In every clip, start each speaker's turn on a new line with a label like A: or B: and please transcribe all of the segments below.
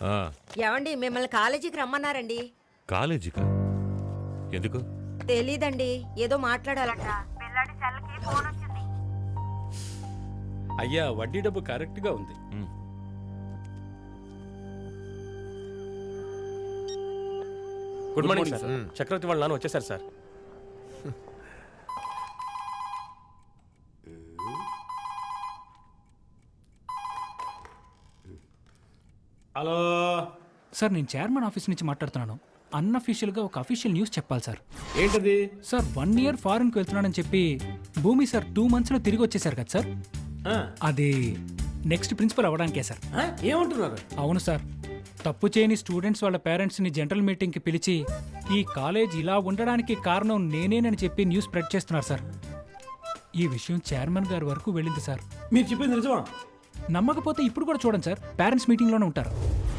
A: ఏమండి మిమ్మల్ని కాలేజీకి రమ్మన్నారండి.
B: కాలేజీకా? ఎందుకు?
A: తెలీదండి, ఏదో మాట్లాడాలట. పిల్లాడి సెల్కి ఫోన్ వచ్చింది.
C: అయ్యా వడ్డీ డబ్బు కరెక్ట్ గా ఉంది. Good morning sir. చక్రవర్తి వాళ్ళ నాన్న వచ్చేసారు సార్. హలో
D: సార్, నేను చైర్మన్ ఆఫీస్ నుంచి మాట్లాడుతున్నాను. అన్అఫీషియల్గా ఒక అఫీషియల్ న్యూస్ చెప్పాలి సార్.
C: ఏంటది?
D: సార్ 1 year ఫారెన్కి వెళ్తున్నానని చెప్పి భూమి సార్ 2 monthsలో తిరిగి వచ్చేసారు కదా సార్. అది నెక్స్ట్ ప్రిన్సిపల్ అవ్వడానికే సార్.
C: ఏమంటున్నారు?
D: అవును సార్, తప్పు చేయని స్టూడెంట్స్ వాళ్ళ పేరెంట్స్ని జనరల్ మీటింగ్కి పిలిచి ఈ కాలేజ్ ఇలా ఉండడానికి కారణం నేనేనని చెప్పి న్యూస్ స్ప్రెడ్ చేస్తున్నారు సార్. ఈ విషయం చైర్మన్ గారి వరకు వెళ్ళింది సార్.
C: మీరు చెప్పింది నిజమా?
D: నమ్మకపోతే ఇప్పుడు కూడా చూడండి సార్, పేరెంట్స్ మీటింగ్లోనే ఉంటారు.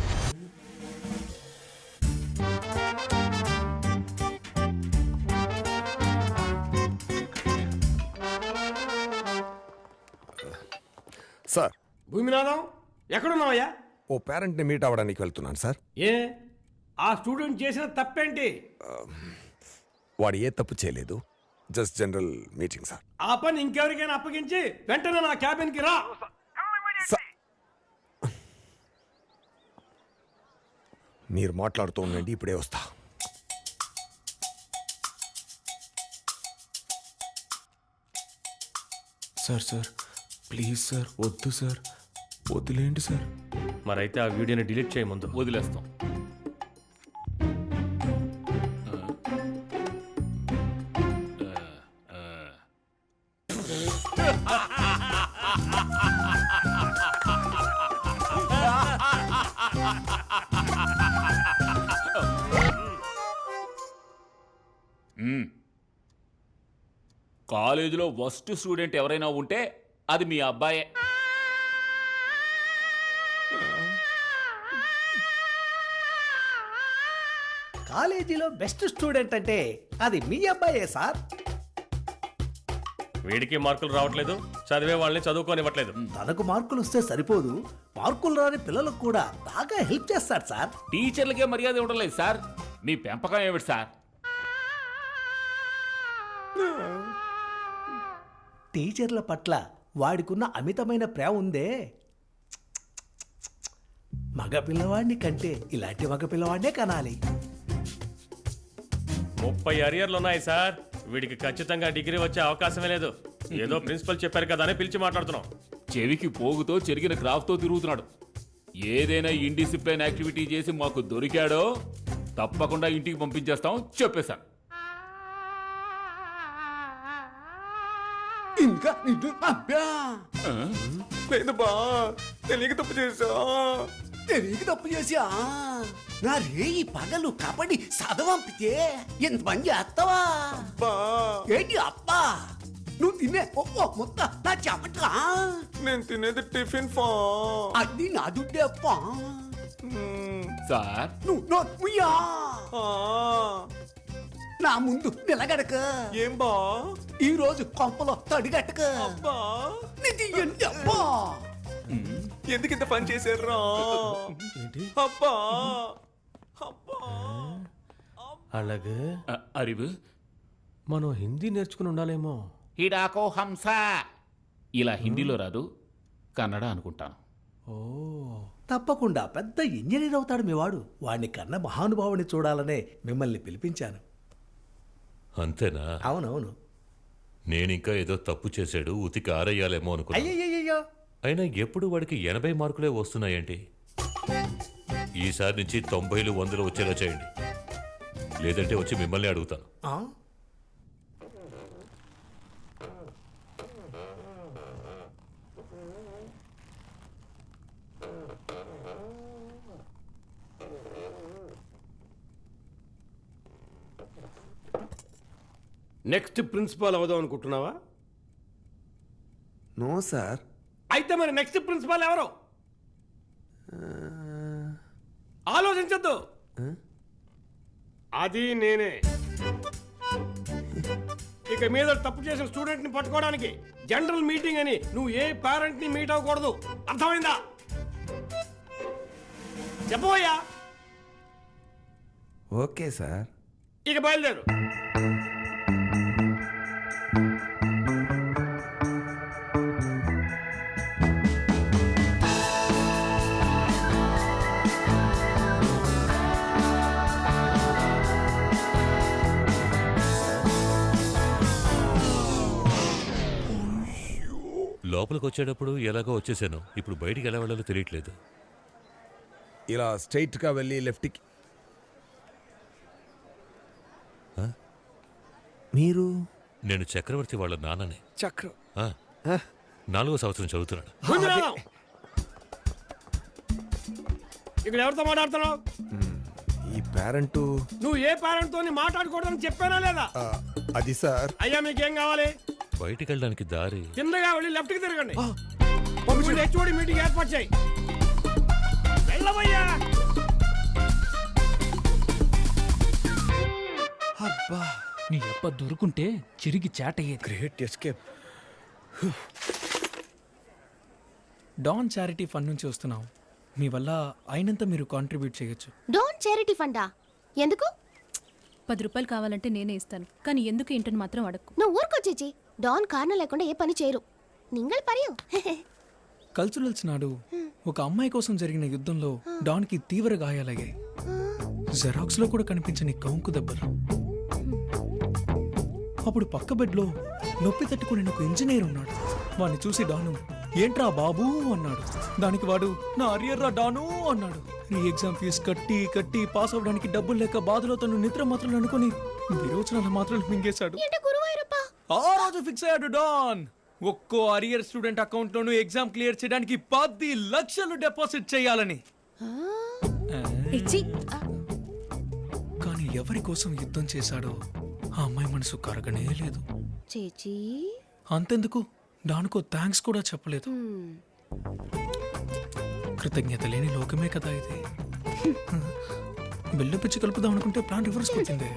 E: సార్,
C: భూమినాథం ఎక్కడున్నావయ్యా?
E: ఓ పేరెంట్ని మీట్ అవ్వడానికి వెళ్తున్నాను సార్.
C: ఏ ఆ స్టూడెంట్ చేసిన తప్పేంటి?
E: వాడు ఏ తప్పు చేయలేదు, జస్ట్ జనరల్ మీటింగ్ సార్.
C: ఆ పని ఇంకెవరికైనా అప్పగించి వెంటనే నా క్యాబిన్కి రా.
E: మీరు మాట్లాడుతూ ఉండండి, ఇప్పుడే వస్తా.
F: సార్ ప్లీజ్ సార్, వద్దు సార్, వదిలేండి సార్.
C: మరైతే ఆ వీడియోని డిలీట్ చేయ ముందు
B: వదిలేస్తాం. కాలేజీలో వర్స్ట్ స్టూడెంట్ ఎవరైనా ఉంటే అది మీ అబ్బాయే.
G: కాలేజీలో బెస్ట్ స్టూడెంట్ అంటే అది మీ అబ్బాయే సార్.
C: వీడికి మార్కులు రావట్లేదు, చదివే వాళ్ళని చదువుకోనివ్వట్లేదు.
G: తనకు మార్కులు వస్తే సరిపోదు, మార్కులు రాని పిల్లలకు కూడా బాగా హెల్ప్ చేస్తాడు సార్.
B: టీచర్లకే మర్యాద ఇవ్వడం లేదు సార్. మీ పెంపకం ఏమిటి సార్?
G: టీచర్ల పట్ల వాడికున్న అమితమైన ప్రేమ ఉందే. మగ పిల్లవాడిని కంటే ఇలాంటి మగ పిల్లవాడినే కనాలి.
C: 30 అరియర్లు ఉన్నాయి సార్. వీడికి ఖచ్చితంగా డిగ్రీ వచ్చే అవకాశమే లేదు. ఏదో ప్రిన్సిపల్ చెప్పారు కదా అని పిలిచి మాట్లాడుతున్నాం.
B: చెవికి పోగుతో చెరిగిన క్రాఫ్ట్తో తిరుగుతున్నాడు. ఏదైనా ఇండిసిప్లైన్ యాక్టివిటీ చేసి మాకు దొరికాడో తప్పకుండా ఇంటికి పంపించేస్తాం చెప్పేశాను.
F: ఇంకా లేదు బా, తెలియక తప్పు చేసా.
G: తెలియక తప్పు చేసా నా రేయి పగలు కబడ్డీ చదవంపితే ఎంతమంది చేస్తావా? ఏంటి అబ్బా, నువ్వు తినే మొత్త నా చెప్పట్లా.
F: నేను తినేది టిఫిన్ ఫా.
G: అది నా దుడ్డే అప్పా.
B: సార్
G: నువ్వు నా ముందు నిలగడక.
F: ఏం బా,
G: ఈ రోజు కొంపలో తడిగట్టక. అబ్బా,
F: ఎందుకు ఇంత పని చేశారా? అబ్బా
C: అలాగే
B: అరివు
C: మనం హిందీ నేర్చుకుని ఉండాలేమో.
B: హిడాకో హంస ఇలా హిందీలో రాదు, కన్నడ అనుకుంటాను.
G: తప్పకుండా పెద్ద ఇంజనీర్ అవుతాడు మీ వాడు. వాడిని కన్న మహానుభావుని చూడాలనే మిమ్మల్ని పిలిపించాను.
B: అంతేనా?
G: అవునవును.
B: నేనింకా ఏదో తప్పు చేశాడు, ఉతికి ఆరయ్యాలేమో అనుకున్నా.
G: అయ్యయ్యో,
B: అయినా ఎప్పుడు వాడికి 80 మార్కులే వస్తున్నాయేంటి? ఈసారి నుంచి 90లు 100లు వచ్చేలా చేయండి, లేదంటే వచ్చి మిమ్మల్ని అడుగుతాను.
C: నెక్స్ట్ ప్రిన్సిపాల్ అవుదాం అనుకుంటున్నావా?
F: No sir.
C: అయితే మరి నెక్స్ట్ ప్రిన్సిపాల్ ఎవరు? ఆలోచించద్దు, అది నేనే. ఇక మీద తప్పు చేసిన స్టూడెంట్ ని పట్టుకోవడానికి జనరల్ మీటింగ్ అని నువ్వు ఏ పేరెంట్ ని మీట్ అవ్వకూడదు, అర్థమైందా? చెప్పబోయా.
F: Okay sir.
C: ఇక బయలుదేరు.
H: లోపలికి వచ్చేటప్పుడు ఎలాగో వచ్చేసాను. ఇప్పుడు బయటికి ఎలా వెళ్ళాలో తెలియట్లేదు.
E: ఇలా స్ట్రైట్గా వెళ్ళి లెఫ్ట్కి.
F: మీరు
H: నేను చక్రవర్తి వాళ్ళ నాన్నని.
E: చక్రం.
H: ఆ, 4వ సంవత్సరం చదువుతున్నాడు.
C: ఇక్కడ ఎవరితో మాట్లాడుతున్నావు?
E: ఈ పేరెంట్.
C: నువ్వు ఏ పేరెంట్ తో మాట్లాడకూడదని చెప్పానా లేదా?
E: అది సార్.
C: అయ్యా మీకేం కావాలి?
H: బయటికి వెళ్ళడానికి దారి.
C: కిందగా వెళ్ళి లెఫ్ట్ కి తిరగండి. హెచ్ఓడి మీటింగ్ ఏర్పాటు చేయి. వెళ్ళవయ్యా.
F: అబ్బా,
D: నీ అబ్బ దొరుకుంటే చిరిగి చాటయ్యేది.
F: Great escape.
I: Don charity fund నుంచి వస్తున్నాం. మీ వల్ల అయినంత మీరు కాంట్రిబ్యూట్ చేయొచ్చు.
J: డోంట్ చారిటీ ఫండా? ఎందుకు?
K: 10 రూపాయలు కావాలంటే నేనే ఇస్తాను, కానీ ఎందుకు ఏంటని మాత్రం అడక్కు.
J: నువ్వు ఊరుకొచ్చేచి. డాన్ కారణం లేకుండా ఏ పని చేయరు. నింగల్ పరియు.
I: కల్చరల్స్ నాడు ఒక అమ్మాయి కోసం జరిగిన యుద్ధంలో డాన్కి తీవ్ర గాయాలయ్యాయి. జెరాక్స్ లో కూడా కనిపించని కౌంకు దెబ్బలు. అప్పుడు పక్క బెడ్లో నొప్పి తట్టుకుని ఒక ఇంజనీర్ ఉన్నాడు. వాడిని చూసి డాను ఏంట్రా బాబూ అన్నాడు. దానికి వాడు నా అరియర్ రా డాను అన్నాడు. నీ ఎగ్జామ్ ఫీజు కట్టి కట్టి పాస్ అవడానికి డబ్బులు లేక బాధలో తను నిద్ర మాత్రలు అనుకుని విరోచనాల మాత్రలు మింగేశాడు. ఆ రోజు ఫిక్స్ అయ్యాడు డాన్. ఒక్కో అరియర్ స్టూడెంట్ అకౌంట్ లోను ఎగ్జామ్ క్లియర్ చేయడానికి 10 లక్షలు డిపాజిట్ చేయాలని. కానీ ఎవరి కోసం యుద్ధం చేశాడో ఆ అమ్మాయి మనసు కరగనే లేదు.
J: చేచి
I: అంతెందుకు, డానుకో థ్యాంక్స్ కూడా చెప్పలేదు. కృతజ్ఞత లేని లోకమే కదా ఇది. బిల్లు పిచ్చి కలుపుదాం అనుకుంటే ప్లాన్ రివర్స్ వచ్చింది.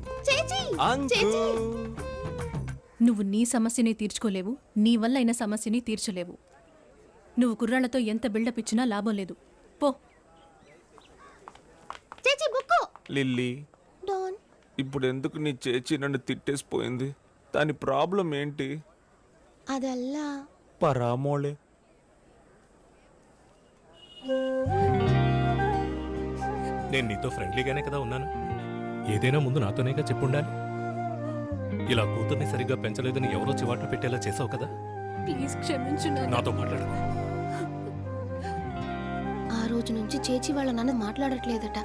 K: నువ్వు నీ సమస్యని తీర్చుకోలేవు, నీ వల్ల అయిన సమస్యని తీర్చలేవు. నువ్వు కుర్రాళ్లతో ఎంత బిల్డప్ ఇచ్చినా లాభం లేదు. పో.
F: లిల్లీ,
J: డాన్
F: ఇప్పుడు ఎందుకు నీ చేచి నన్ను తిట్టేసిపోయింది? దాని ప్రాబ్లం ఏంటి?
J: అదల్లా
F: పరామోళే.
H: నేను నీతో ఫ్రెండ్లీగానే కదా ఉన్నాను. ఏదైనా ముందు నాతోనేగా చెప్పుండాలి. ఇలా కూతుర్ని సరిగ్గా పెంచలేదని ఎవరో చివాట్లు పెట్టేలా చేసావు కదా.
K: ప్లీజ్ క్షమించు.
H: నాతో మాట్లాడు.
J: ఆ రోజు నుంచి చేచి వాళ్ళ నాన్న మాట్లాడట్లేదట.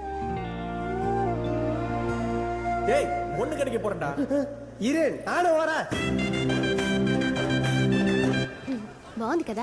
G: ஏய் ஒண்ணு கிடைக்க போறடா. இரேன் நானே வரேன்.
J: బాగుంది కదా?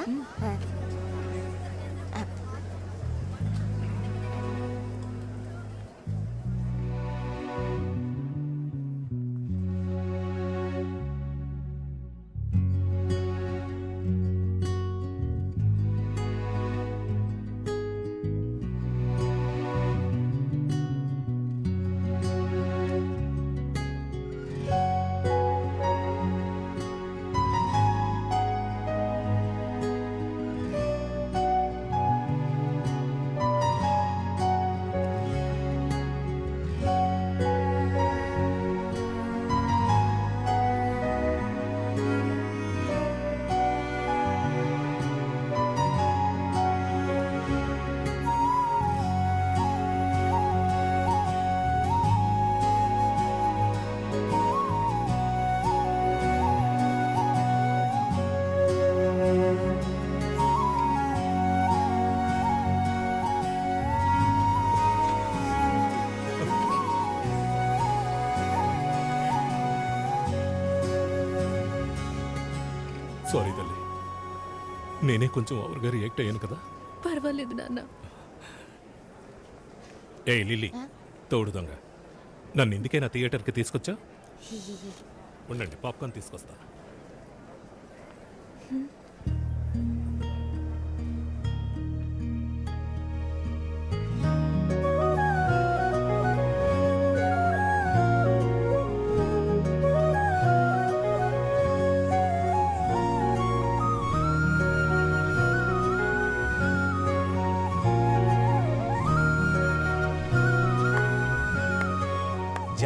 H: సారీ తల్లి, నేనే కొంచెం ఓవర్గా రియాక్ట్ అయ్యాను కదా.
K: పర్వాలేదు నాన్న.
H: ఏ లిల్లీ, తోడు దొంగ, నన్ను ఇందుకైనా థియేటర్కి తీసుకొచ్చా? ఉండండి, పాప్కార్న్ తీసుకొస్తా.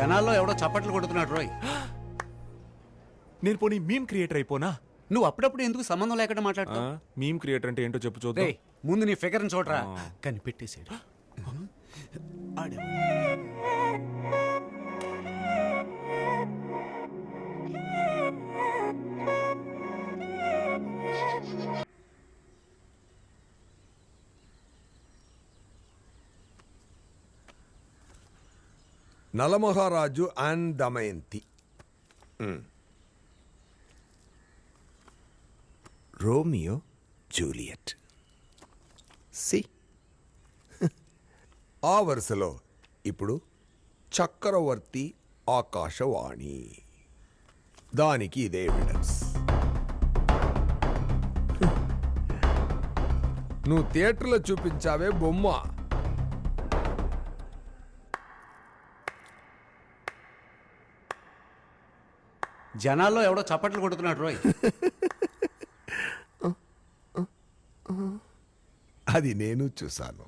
L: జనాల్లో ఎవడో చప్పట్లు కొడుతున్నాడు రోయ్.
F: నేను పోనీ మీమ్ క్రియేటర్ అయిపోనా?
L: నువ్వు అప్పుడప్పుడు ఎందుకు సంబంధం లేకుండా మాట్లాడుతావు?
F: మీమ్ క్రియేటర్ అంటే ఏంటో చెప్పు చూద్దాం.
L: రేయ్, ముందు నీ ఫిగర్ని చూడరా. కనిపెట్టేసాడు. ఆడేవాడు.
E: Nalamaharaju and Damayanti. Romeo Juliet. సి ఆ వరుసలో ఇప్పుడు చక్రవర్తి ఆకాశవాణి. దానికి ఇదే ఎవిడెన్స్. నువ్వు థియేటర్లో చూపించావే బొమ్మ,
L: జనాల్లో ఎవడో చప్పట్లు కొడుతున్నాడు రోయ్.
E: అది నేను చూశాను.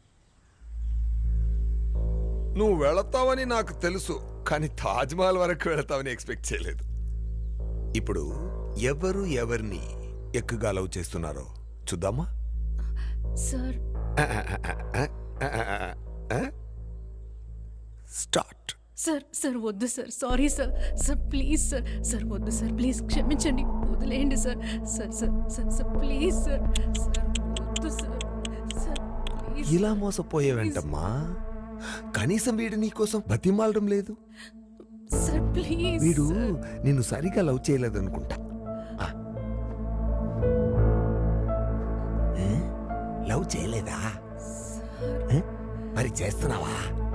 E: నువ్వు వెళతావని నాకు తెలుసు, కానీ తాజ్మహల్ వరకు వెళతావని ఎక్స్పెక్ట్ చేయలేదు. ఇప్పుడు ఎవరు ఎవరిని ఎక్కువగా లవ్ చేస్తున్నారో చూద్దామా?
K: Sir
E: start.
K: సార్ సార్ వద్దు sir, sorry sir. Sir please sir, sir వద్దు సార్, ప్లీజ్ క్షమించండి, వదిలేయండి sir. Sir sir sir sir please sir, sir వద్దు సార్, సార్ ప్లీజ్.
E: ఇలా మోసపోయేవేంటమ్మా? కనీసం వీడు నీకోసం బతిమాలడం లేదు.
K: Sir please.
E: వీడు నిన్ను సరిగా లవ్ చేయలేదనుకుంటా. లవ్ చేయలేదా? మరి చేస్తున్నావా?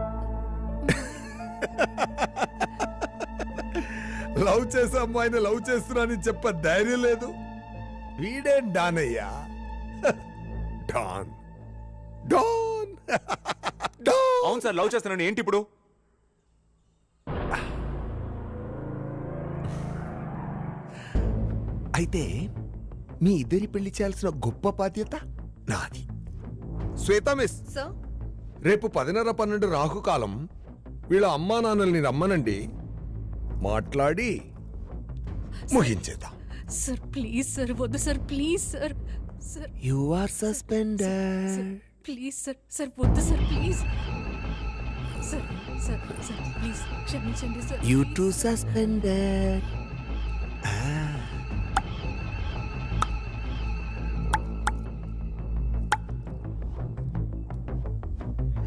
E: లవ్ చేసే అమ్మాయిని లవ్ చేస్తున్నానని చెప్ప ధైర్యం లేదు. వీడేం డాన్ అయ్యా? Don don.
F: అవును సార్, లవ్ చేస్తున్నాను. ఏంటి ఇప్పుడు?
E: అయితే మీ ఇద్దరి పెళ్లి చేయాల్సిన గొప్ప బాధ్యత నాది. శ్వేత మిస్, రేపు 10:30-12 రాహుకాలం. వీళ్ళ అమ్మా నాన్నల్ని రమ్మనండి, మాట్లాడి ముగించేద్దాం.
K: సార్ ప్లీజ్ సార్, వద్దు sir, please sir. Sir
E: you are suspended.
K: Please sir, sir వద్దు sir, please sir. Sir sir please క్షమించండి సార్.
E: You too suspended.